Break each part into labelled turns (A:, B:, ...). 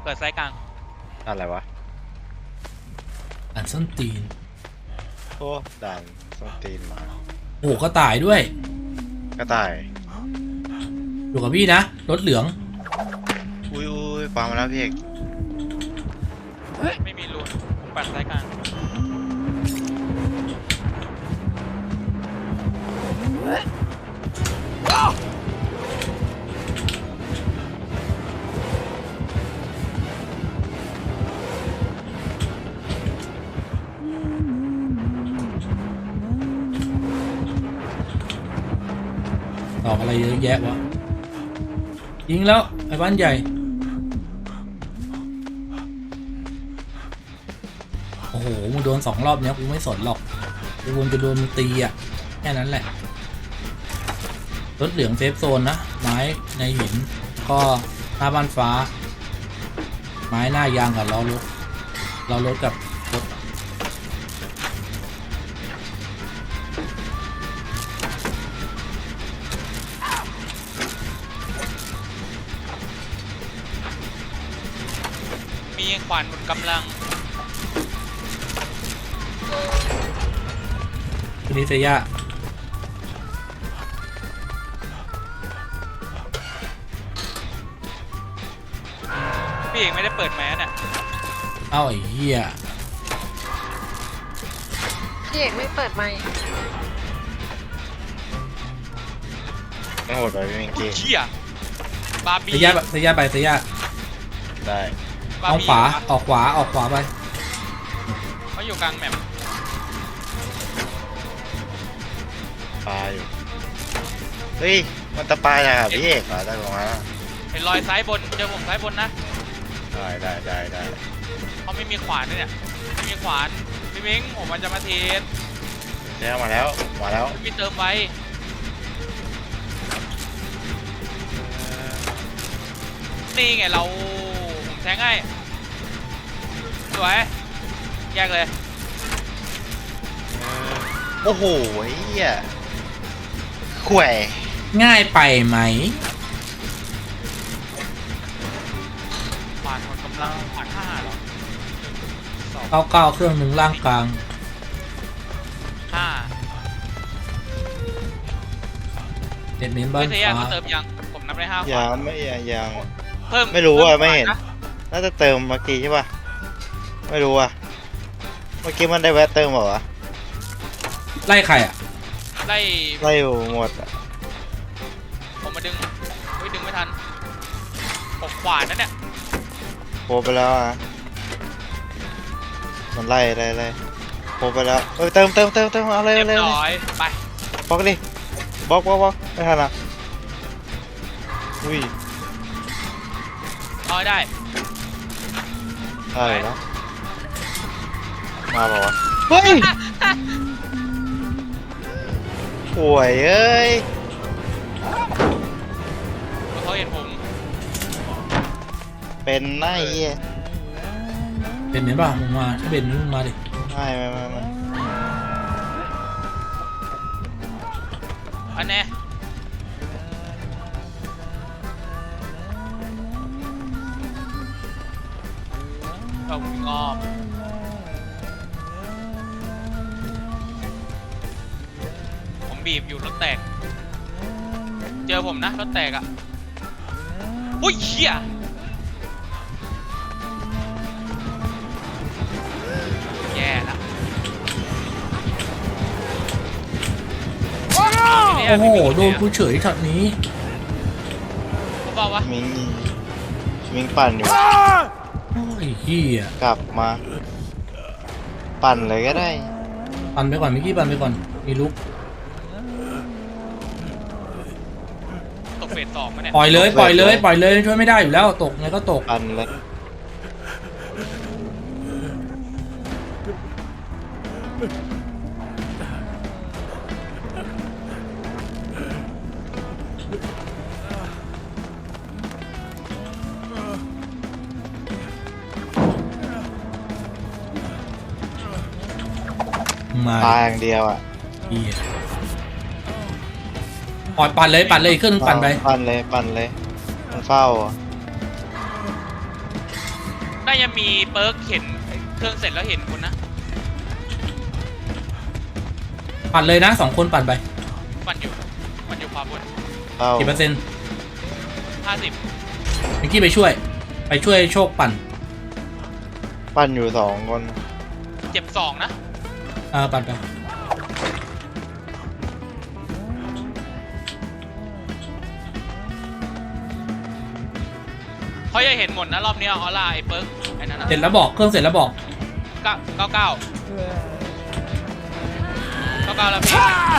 A: เกิดไซส์กลาง
B: อะไรวะ
C: อันส้นตีน
B: โอ้ด่านส้นตีนมา
C: โอ้ก็ตายด้วย
B: ก็ตาย
C: อยู่กับพี่นะรถเหลือง
B: อุ้ยปามาแล้วพี่เอก
A: ไม่มีรูนผมปัดไซส์กลาง
C: ตอกอะไรเยอะแยะวะยิงแล้วไอ้บ้านใหญ่โอ้โหมึงโดน2 รอบเนี้ยกูไม่สนหรอกกูวนจะโดนมึงตีอ่ะแค่นั้นแหละรถเหลืองเซฟโซนนะไม้ในหินก็หน้าบ้านฟ้าไม้หน้ายางกับล้อรถกับรถ
A: มีขวานหมดกำลัง
C: ทีนี้เซีย
A: พี่เอกไม่ได้เปิดแมสอ่ะ
C: เอ้าไอ้เหี้ย
D: พี่เอกไม่เปิดไมค์
B: ไม่โหดไปพี่เมงกี้
A: เชี่ยบาร์บี้
C: เซียไปเซีย
B: ได้
C: เอาขวาออกขวาไป
A: เขาอยู่กลางแมป
B: ปลาอยู่เฮ้ยมันตะปายนะครับพี่เอกได้ลงมาแล้ว
A: เห็นรอยซ้ายบนเจอผมซ้ายบนนะ
B: ได้
A: เขาไม่มีขวานด้วยเนี่ยไม่มีขวานพี่เม้งผมมันจะมาเทส
B: แล้วมาแล้ว
A: พี่เติมไว้นี่ไงเราผมแทงให้สวยแยกเลย
B: โอ้โหเหี้ยแขว
C: ง่ายไปไหม
A: ขวานหมดกำลังขวาน5หรอ
C: 99เครื่องหนึ่งล่างกลาง
A: 5
C: เด็ดเน้นบ้าน
A: ฟ้าเติมยังผมนับได้5ขวาน
B: ยัง
A: เพิ่ม
B: ไม่รู้ว่าไม่เห็นน่าจะเติมเมื่อกี้ใช่ป่ะไม่รู้อ่ะเมื่อกี้มันได้แวะเติมเปล่าวะ
C: ไล่ใครอ่ะ
A: ไล่
B: อยู่หมดอ่ะ
A: ผมมาดึงไม่ทันผมขวานนั่นเนี่ย
B: โผล่ไปแล้วอ่ะมันไล่โผล่ไปแล้วเติมเอาเลย
A: ไป
B: บล็อกดิบล็อกไม่ทันอ่ะอุ้ย
A: เอาได้
B: แล้วมาบอกว่าเฮ้ยป่วยเอ้ย
A: เขาเห็นผม
B: เป็นไง
C: เป็นไหมบ้างมึงมาถ้าเป็นมึงมาดิ
B: ไม่
A: อันนี้เรางอบผมบีบอยู่รถแตกเจอผมนะรถแตกอ่ะอุ้ยเหี้ยแย่ละ
C: โอ้โหโดนกูเฉยช็อตนี้
A: บอกว่า
B: มิงปั่นอยู่
C: โอ้ยเหี้ย
B: กลับมาปั่นเลยก็ได้
C: ปั่นไปก่อนเมื่อกี้ปั่นไปก่อนมีลุก
A: ตกเฟส2มาเนี่ย
C: ปล่อยเลยช่วยไม่ได้อยู่แล้วตกไงก็ตก
B: ปั่นเลยตายอย่างเดียวอ่ะ
C: ปล่อยปั่นเลยเครื่องปั่นไป
B: ปั่นเลยมันเฝ้า
A: น่าจะมีเปิร์กเห็นเครื่องเสร็จแล้วเห็นคุณนะ
C: ปั่นเลยนะ2 คนปั่นไป
A: มันอยู่ขวาบน
B: เอา
C: กี่เปอร์เซ็นต์
A: 50
C: เมื่อกี้ไปช่วยโชคปั่น
B: ปั้นอยู่2 คน
A: เจ็บ2นะ
C: ปั่นไป
A: เขาจะเห็นหมดนะรอบนี้ออร่าไอ้เปิร์กไอ้นั่นนะ
C: เสร็จแล้วบอกเครื่องเสร็จแล้วบอก
A: 99แล้วพี่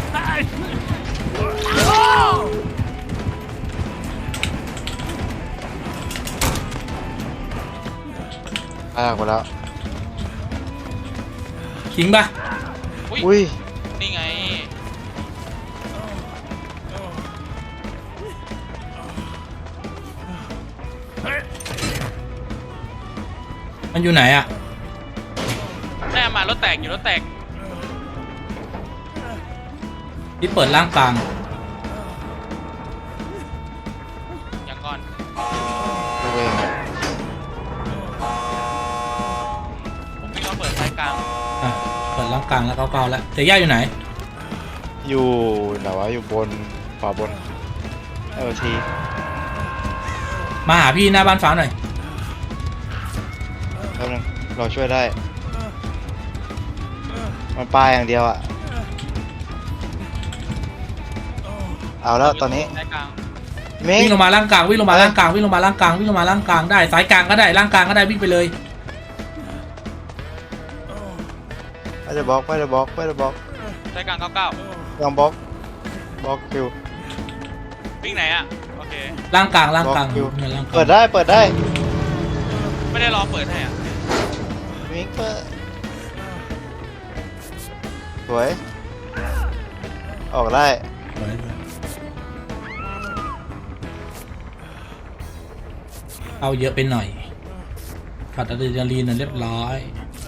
B: ลากไปแล้ว
C: ทิ้งปะ
B: อุ้ย
A: นี่ไง
C: มันอยู่ไหนอะ
A: แม่มารถแตกอยู่รถแตก
C: ที่เปิดล่างกลาง
A: อย่างก่อน
B: โอเค
A: ผมวิ่งมาเปิดสายกลาง
C: เปิดล่างกลางแล้วเก้าแล้วเสียย่าอยู่ไหน
B: อยู่ไหนวะอยู่บนขวาบนที
C: มาหาพี่หน้าบ้านฟ้าหน่อย
B: แป๊บนึงเราช่วยได้ มันปลาอย่างเดียวอ่ะ เอาแล้วตอนนี้
A: สายกลาง
B: มิง
C: วิ่งลงมาล่างกลางวิ่งลงมาล่างกลางวิ่งลงมาล่างกลางวิ่งลงมาล่างกลางได้สายกลางก็ได้ล่างกลางก็ได้วิ่งไปเลย
B: ไม่ได้บล็อกไม่ได้บล็อกไม่ได้บล็อก
A: สายกลาง99
B: ยังบล็อกบล็อกคิว
A: วิ่งไหนอะโอเค
C: ล่างกลางล่างกลาง
B: บล็อกอยู่
C: เนี่ยล่างกลาง
B: เปิดได้เปิดได้
A: ไม่ได้รอเปิดให้อะ
B: มิงเปิดสวย ออกได้
C: เอาเยอะไปหน่อยขาดอะดรีนาลีนน่ะเรียบร้อย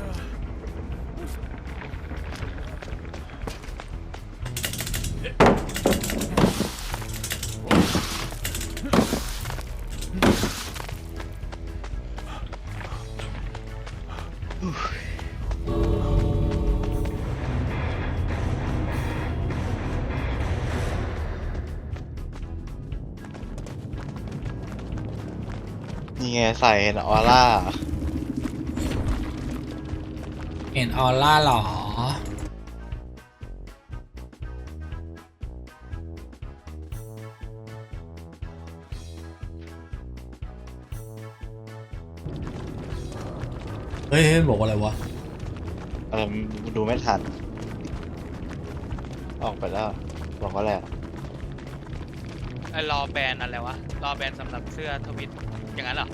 B: นี่ไงใส่เห็นออร่า
C: เห็นออร่าหรอเฮ้ยบอกว่าอะไรวะ
B: ดูไม่ทัน ออกไปแล้ว บอกว่าอะไรอะ
A: ไอ้รอแบนอะไรวะรอแบนสำหรับเสื้อทวิตอย่างนั้นเหรอ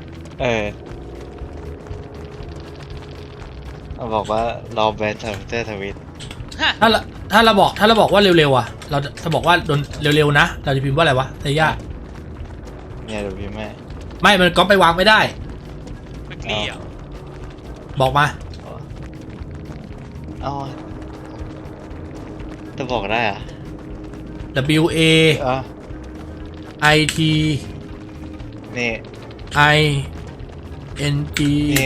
B: บอกว่ารอแบนเตอร์ทวิต
A: ฮะ
C: ถ้าเราบอกว่าเร็วๆอ่ะเราจะบอกว่าโดนเร็วๆนะเราจะพิมพ์ว่าอะไรวะเซย่า
B: เนี่ยเดี๋ยวพี่แม่
C: ไม่มันก็ไปวางไม่ได้
A: เบเกอรี่อ่ะ
C: บอกมา
B: เอ้าจะบอกได้อะ
C: W A
B: อ๋อ
C: I T
B: นี่
C: I N G
B: นี่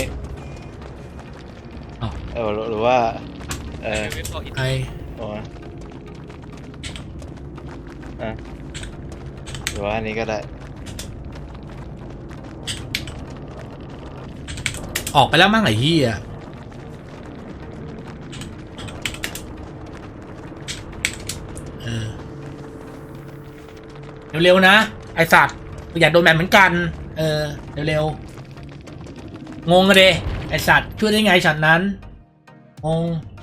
C: อ๋อ
B: หรือว่า
A: เว็บบอกอิน
C: I
B: โอ้หรือว่าอันนี้ก็ได้
C: ออกไปแล้วมั้งไอ้เหี้ยเร็วๆนะไอสัตว์อยากโดนแบบเหมือนกันเร็วๆงงเลยไอสัตว์ช่วยได้ไงฉันนั้นงง